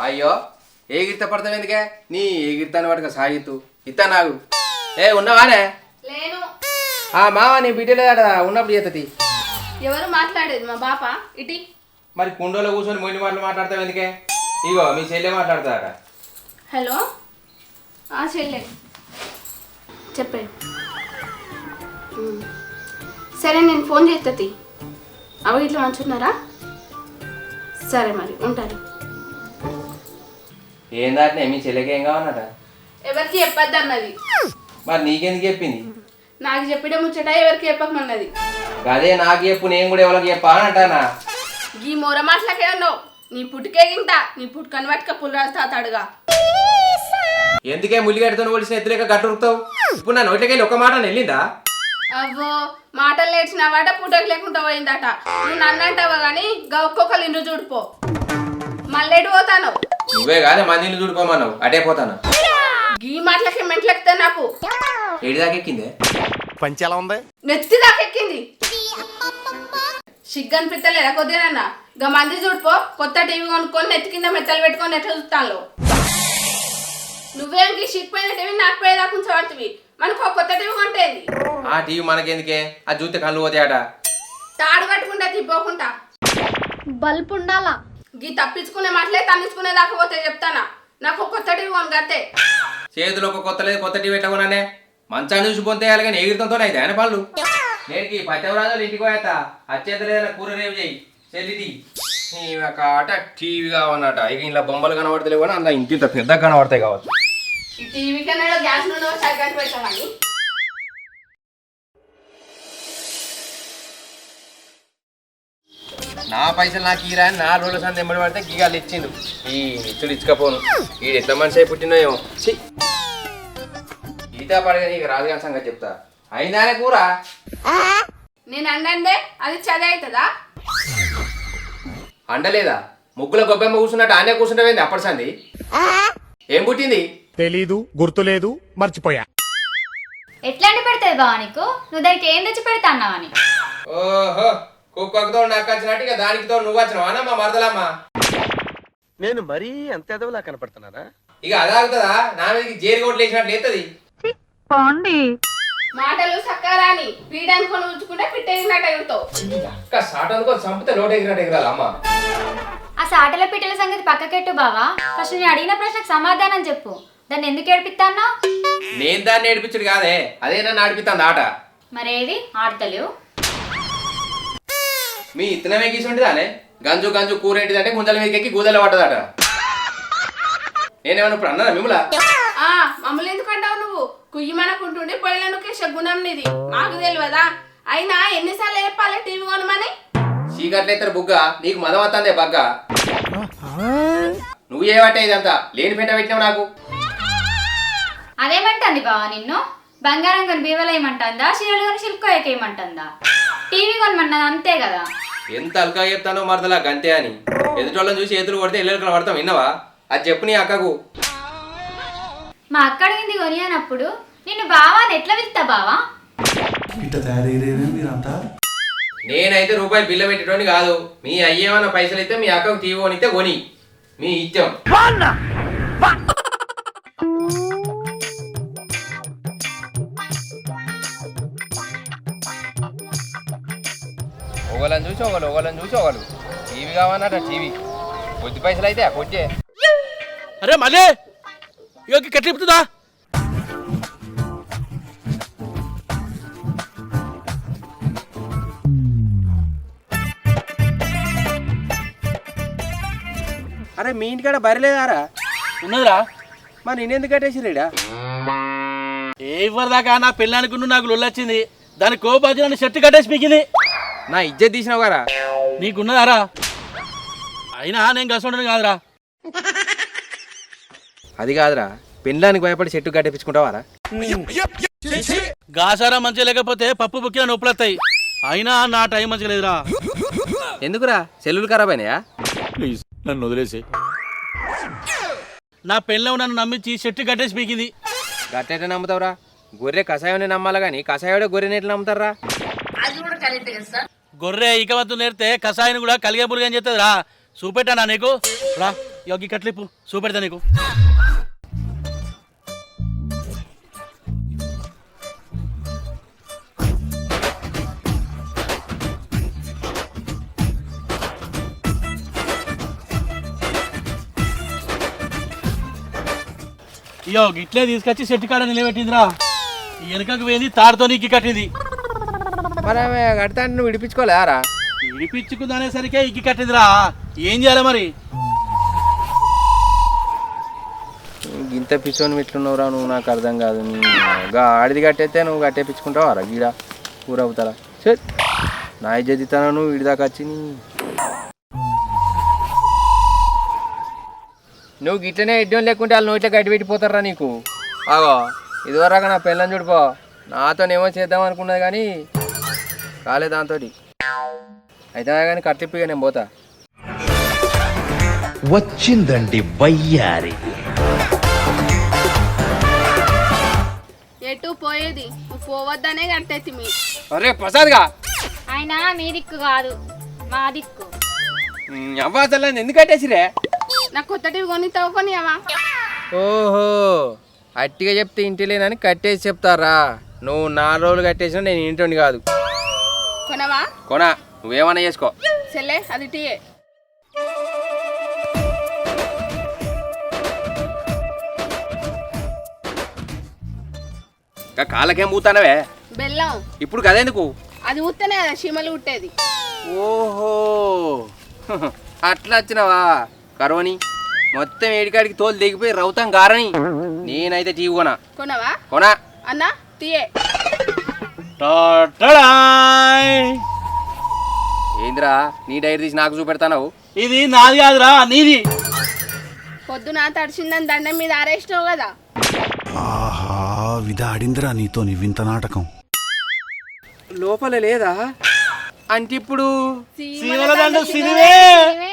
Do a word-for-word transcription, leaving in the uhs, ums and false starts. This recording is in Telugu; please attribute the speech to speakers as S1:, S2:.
S1: అయ్యో ఏగిరిత పడతావు ఎందుకే నీ ఏగిరితాను పట్టుక సాగిత్తు ఇత్తా నాకు ఏ ఉన్నావానే
S2: లేను.
S1: ఆ మావా నీ బిడ్డలేదట ఉన్నప్పుడు చేతది.
S2: ఎవరు మాట్లాడేది మా బాప ఇటీ.
S1: మరి కుండోలో కూర్చొని మొండి మాటలు మాట్లాడతావు ఎందుకే? ఇగో మీ చెల్లె మాట్లాడతాడట.
S2: హలో ఆ చెల్లె చెప్పే. సరే నేను ఫోన్ చేస్తుంది. అవి ఇట్లా మంచున్నారా? సరే మరి ఉంటారు.
S1: ఏం దాటినే మీ చెల్లెకి ఏం కావన్నట?
S2: ఎవరికి చెప్పద్దు అన్నది.
S1: మరి నీకెందుకు చెప్పింది?
S2: నాకు చెప్పిన ముచ్చట ఎవరికి చెప్పకమన్నది.
S1: అదే నాకు చెప్పు నేను కూడా ఎవరికి చెప్పా అని అంటానా.
S2: ఈ మూర మాటలకే ఉన్నావు. నీ పుట్టుకే గింట నీ పుట్టుకని పట్టుక పుల్లరాజు తాతాడుగా.
S1: ఎందుకే ముల్లిగడ్డతో ఒడిసిన ఎత్తులేక గట్టురుకుతావు? ఇప్పుడు నా నోట్లకెళ్ళి ఒక మాట వెళ్ళిందా?
S2: అవ్వో మాటలు నేర్చిన వాట పుట్టకు లేకుండా పోయిందట. నువ్వు నన్ను అంటావా కానీ గా ఒక్కొక్కరు ఇండ్రు చూడిపో. మళ్ళీ పోతాను.
S1: నువ్వే కానీ మందిని చూడిపోమన్నావు అటే పోతాను.
S2: గీ మాటలకి మెంట్లెక్కితే నాకు.
S1: ఏడి దాకా ఎక్కిందే?
S3: పంచి ఎలా ఉంది?
S2: నెత్తి దాకా ఎక్కింది. సిగ్గు అనిపిస్తలేదా కొద్దిగా? గా మంది చూడిపో. కొత్త టీవీ కొనుక్కొని నెత్తి కింద మెత్తలు పెట్టుకొని ఎట్లా చూస్తాను. నువ్వేం సిగ్గిపోయిన టీవీ నాకు పోయేదా కొంచెం పడుతుంది. మనకు ఒక కొత్త టీవీ కొంటేది.
S1: ఆ టీవీ మనకెందుకే? ఆ చూస్తే కళ్ళు పోతాయట.
S2: తాడు కట్టుకుంటా తిప్పకుండా
S4: బల్బు ఉండాలా?
S2: గీ తప్పించుకునే మాటలే తన్నించుకునే దాకా పోతే చెప్తానా. నాకు ఒక కొత్త టీవీ కొను గతే.
S1: చేతిలో ఒక కొత్త లేదు కొత్త టీవీ ఎట్లా కొన్నానే? మంచాన్ని చూసి పొంతే కానీ ఎగిరితంతో అయితే ఆయన పళ్ళు. నేటికి పచ్చవరాజులు ఇంటికి పోయేస్తా. అచ్చేత లేదన్నా కూర రేపు చేయి చెల్లిది. ఒక ఆట టీవీ కావన్నట. ఇక ఇలా బొమ్మలు కనబడతలేవు కానీ అందులో ఇంత పెద్ద కనబడతాయి కావచ్చు.
S2: ఈ టీవీ కన్నా గ్యాస్ నూనె సరిగ్గా పెట్టామని.
S1: నా పైసలు నాకు ఈరా అని నాలుగు రోజుల సంత ఎంబడి పడితే గీగాలు ఇచ్చిండు. ఈ ఇచ్చుడు ఇచ్చకపోను. ఈ ఎట్లా మనిషి అయి పుట్టినాయో. ఈత పడగా నీకు రాజుగారి సంగతి చెప్తా. అయిందానే కూర?
S2: నేను అండే అది చది అవుతుందా?
S1: అండలేదా? ముగ్గుల గొబ్బెమ్మ కూర్చున్నట్టు ఆనే కూర్చుంటావేంది అప్పటి సంది? ఏం పుట్టింది?
S3: తెలీదు, గుర్తులేదు, మర్చిపోయా.
S4: ఎట్లాంటి పెడతాది బావా నీకు? నువ్వు దానికి ఏం తెచ్చి పెడతా అన్నావని.
S1: ఓహో కుక్కతో నాకు వచ్చినట్టు ఇక దానికితో నువ్వు వచ్చినావా మా మరదలమ్మా?
S5: నేను మరీ అంత ఎదవలా కనపడుతున్నారా?
S1: ఇక అదాగుతుందా? నా మీదకి జేరి కొట్లు వేసినట్లు ఎత్తది.
S2: మాటలు సక్కారాని పీడనుకొని ఉంచుకుంటే పిట్టేసినట్టు ఎగురుతావు.
S1: అక్క సాట అనుకో చంపితే నోట ఎగిరినట్టు ఎగరాలి అమ్మ.
S4: ఆ సాటల పిట్టల సంగతి పక్కకెట్టు బావా. ఫస్ట్ నేను అడిగిన ప్రశ్నకు సమాధానం చెప్పు. దాన్ని ఎందుకు ఏడిపిస్తాన్నా?
S1: నేను దాన్ని ఏడిపించుడు కాదే, అదే నన్ను ఆడిపిస్తాను ఆట.
S4: మరేది ఆడతలేవు?
S1: మీ ఇత్తనమే గీసుంటుందానే? గంజు గంజు కూర ఏంటిదంటే గుంజల మీదకి ఎక్కి గూదల పడ్డదట. నేనేమన్నా ఇప్పుడు అన్నా మిమ్మల్ని?
S2: ఆ మమ్మల్ని ఎందుకు అంటావు నువ్వు? కుయ్యమనకుంటుండి పొయ్యిలను గుణం నీది మాకు తెలియదా? అయినా ఎన్నిసార్లు చెప్పాలి టీవీ కొనమని?
S1: చీకట్లయితే బుగ్గ నీకు మదం వస్తుందే బగ్గ. నువ్వు ఏమంటే ఇదంతా లేని పెంట పెట్టినావు నాకు.
S4: అదేమంటుంది బావా నిన్ను? బంగారం కొని బీవలేయమంటుందా? చీరలు కొని సిల్కోయకేయమంటుందా? టీవీ కొనమన్నది అంతే కదా.
S1: ఎంత అల్కా చెప్తానో మరదలా గంతే అని. ఎదుటోళ్ళని చూసి ఎదురు కొడితే ఎల్లెలకలు పడతాం విన్నావా? అది చెప్పు నీ అక్కకు.
S4: మా అక్క అడిగింది కొని అన్నప్పుడు నిన్ను బావా అని ఎట్లా పిలుస్తా బావా?
S1: నేనైతే రూపాయి బిల్ల పెట్టేటోని కాదు. మీ అయ్యేమన్నా పైసలు అయితే మీ అక్కకు టీవీ కొనిస్తే కొని మీ ఇచ్చాం. ఒకళ్ళని చూసి ఒకళ్ళు ఒకళ్ళని చూసి ఒకళ్ళు టీవీ కావన్నట. టీవీ కొద్ది పైసలు అయితే కొద్దే.
S6: అరే మళ్ళీ ఇక కట్టిపుతుందా?
S1: అరే మీ ఇంటికాడ బరిలేదారా?
S6: ఉన్నదిరా.
S1: మరి నేనెందుకు కట్టేసిరేడా?
S6: ఏ ఇవ్వదాకా నా పెళ్ళానికి నాకు లొల్లొచ్చింది. దాని కోపాచి నన్ను షర్ట్ కట్టేసి పీకింది.
S1: నా ఇజ్జత్ తీసినావు గారా?
S6: నీకున్నదారా? అయినా నేను గసండను కాదురా.
S1: అది కాదురా, పెళ్ళానికి భయపడి చెట్టు కట్టేపించుకుంటావారా?
S6: గాసారా మంచిగా లేకపోతే పప్పు బుక్కిన నొప్పులు వస్తాయి. అయినా నా టైం మంచిగా లేదురా.
S1: ఎందుకురా? సెల్లులు ఖరాబ్ అయినాయా?
S6: ప్లీజ్ నన్ను వదిలేసి. నా పెళ్ళం నన్ను నమ్మించి చెట్టు కట్టేసి పీకింది.
S1: గట్టెట నమ్ముతావురా? గొర్రె కషాయం నమ్మాలి కానీ కషాయోడే గొర్రెని ఎట్లా నమ్ముతారా?
S6: గొర్రె ఇక వద్దు నేర్తే కషాయం కూడా కలిగే పులిగా అని చెప్తుంది రా. చూపెట్టా నీకు రా. యోగి కట్లిప్పు చూపెడతా నీకు. ఇయో గిట్లే తీసుకొచ్చి చెట్టు కాడ నిలబెట్టిందిరా. వెనుకకు పోయింది తాడుతో నీకు కట్టింది.
S1: మరి ఆమె కడతా అంటే నువ్వు విడిపించుకోలేరా?
S6: విడిపించుకుందనేసరికే ఇగ్గి కట్టిందిరా. ఏం చేయాలి మరి?
S1: ఇంత పిచ్చోని ఇట్లున్నావురా నువ్వు, నాకు అర్థం కాదు. గా ఆడిది కట్టేస్తే నువ్వు కట్టేపించుకుంటావా గీడ కూర అవుతారా? సరే నా ఇజ్జతితాను నువ్వు వీడిదాకా వచ్చి నువ్వు గిట్లనే ఎడ్డం లేకుంటే వాళ్ళు నోట్లో గడ్డి పెట్టిపోతారా నీకు. ఆగో ఇదివరకు నా పిల్లని చూడిపో, నాతోనేమో చేద్దాం అనుకున్నది కానీ కాలే దాంతో. అయితే కానీ కట్టిప్పిగా నేను పోతా.
S7: వచ్చిందండి వయ్యారి.
S2: ఎటు పోయేది? నువ్వు పోవద్దనే కట్టేసి మీ
S1: అరే ప్రసాద్గా
S4: ఆయన మీ దిక్కు కాదు మా దిక్కు.
S1: అవ్వాసలు ఎందుకు కట్టేసిరే?
S2: నాకు కొత్త టీవీ కొని తవ్వుకొని అమ్మా.
S1: ఓహో అట్టిగా చెప్తే ఇంటి లేనని కట్టేసి చెప్తారా? నువ్వు నాలుగు రోజులు కట్టేసినా నేను ఇంటి కాదు.
S2: కొనవా?
S1: కొనా, నువ్వేమన్నా చేసుకో.
S2: సెల్లే అది టీయే.
S1: ఇంకా కాళ్ళకేం పూతానవే?
S2: బెల్లం.
S1: ఇప్పుడు కదెందుకు?
S2: అది ఊత్తనే కదా చీమలు ఉట్టేది.
S1: ఓహో అట్లా వచ్చినావా? కరోని మొత్తం ఏడికాడికి తోలు దిగిపోయి రౌతాం గారని. నేనైతే టీవీ కొనా.
S2: కొనవా?
S1: కొనా
S2: అన్నా తీయే.
S1: ఏందిరా నీ డైరీ తీసి నాకు చూపెడతావు?
S6: ఇది నాది కాదురా నీది.
S2: పొద్దున తడిచిందని దండం మీద ఆరేసినావు కదా.
S8: ఆహా విధాడిందిరా నీతో నీ వింత నాటకం.
S1: లోపల లేదా అంటే ఇప్పుడు
S6: శివలదండ సినివే